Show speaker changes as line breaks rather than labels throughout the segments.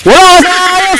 Wala sa ayos!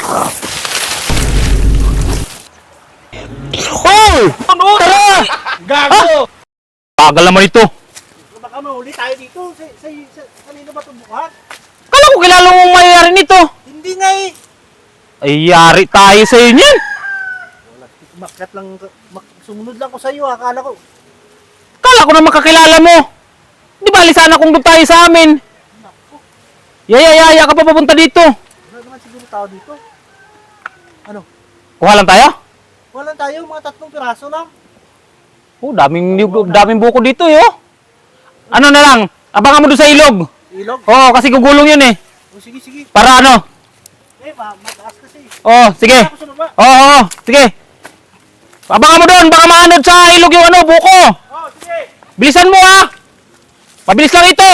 Hoy! Tara!
Gago!
Tagal naman ito.
Baka mahuli tayo dito. Kanino ba itong buhat?
Kala ko kilala mong mayayari nito.
Hindi nga eh.
Ay, yari tayo sa iyo niyan.
Wala, makat lang, sumunod lang ko sa iyo. Akala ko.
Kala ko na makakilala mo. Di bali sana kung doon tayo sa amin.
Naku,
Yaya ka pa papunta dito.
wala naman siguro tao dito. Ano?
Kuha lang tayo?
Wala tayo, mga 3 piraso lang.
Oh, daming buko dito, yo. Ano na lang, abangan mo doon sa ilog.
Ilog?
Oo, kasi gugulong yun eh.
O sige, sige.
Para ano?
Mataas kasi.
Oo, sige.
Ako sa baba.
Oo, sige. Abangan mo doon, baka maanod sa ilog yung ano, buko.
Oh, sige.
Bilisan mo ha. Mabilis lang ito.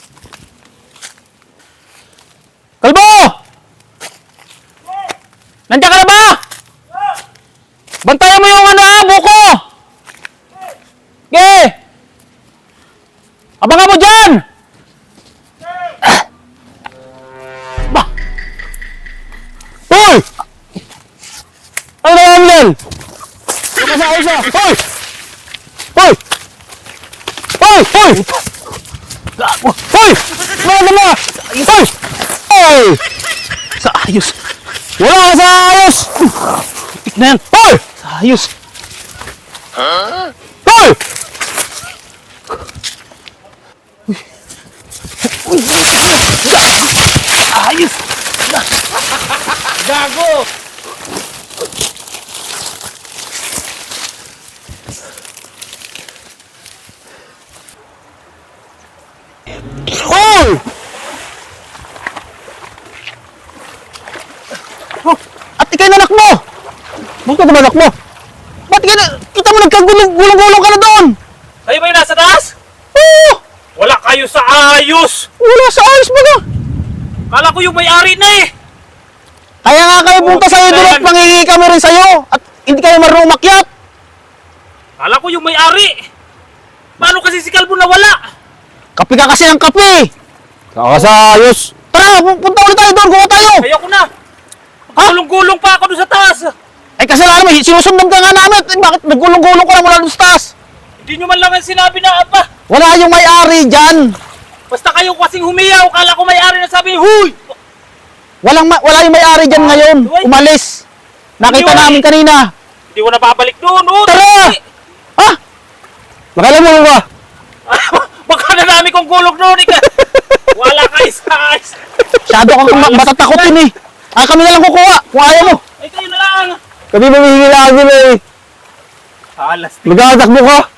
Kalbo! Nandiyan ka na ba? Bantayan mo yung ano ha, buko. Okay. Abangan mo dyan. Ba? Hoy! Ano naman yan? Nakasayos na. Hoy! Hoy! Hoy! Hoy! Hoy! Ano na? Hoy! Hoy! Sa ayos. Wala ka sa ayos! Tik na yan. Hoy! Sa ayos. Hoy! Uy! Ayos!
Gago!
Hoy! Oh, at ikay na anak mo! Bakit ka anak mo? Ba't ka na, kita mo nagkagulong-gulong ka na doon?
Kayo ba yung nasa taas?
Oo!
Wala kayo sa ayos!
Wala sa ayos ba ka?
Kala ko yung may-ari na eh!
Kaya nga kayo punta sa'yo doon at mangingi kami rin sa'yo at hindi kayo marunong umakyat.
Kala ko yung may-ari! Paano kasi si Kalbo nawala?
Kape ka kasi ng kape. Kaka sa ayos. Tara, punta ulit tayo doon, kuha tayo.
Ayoko na! Gulong-gulong pa ako doon sa taas!
Ay kasalanan mo, sinusundan ka nga namin. Eh, bakit nagulong-gulong ka na mula doon sa taas?
Hindi nyo man lang ang sinabi na apa!
Wala yung may-ari dyan.
Basta kayo kasing humiyaw, kala ko may-ari na sabi, huy!
Wala yung may-ari dyan ngayon. Umalis. Nakita
Hindi,
namin kanina.
Hindi ko na babalik doon, oh!
Tara! Ha? Nakala mo ba?
Baka na dami kong gulong doon, ika! Wala kayo sa ayos!
Masyado kang matatakotin eh. Ah, kami na lang kukuha. Kung ayaw mo.
Ay, kayo na lang!
Kami mamihingil namin eh.
Alas,
Maghatakbo ka.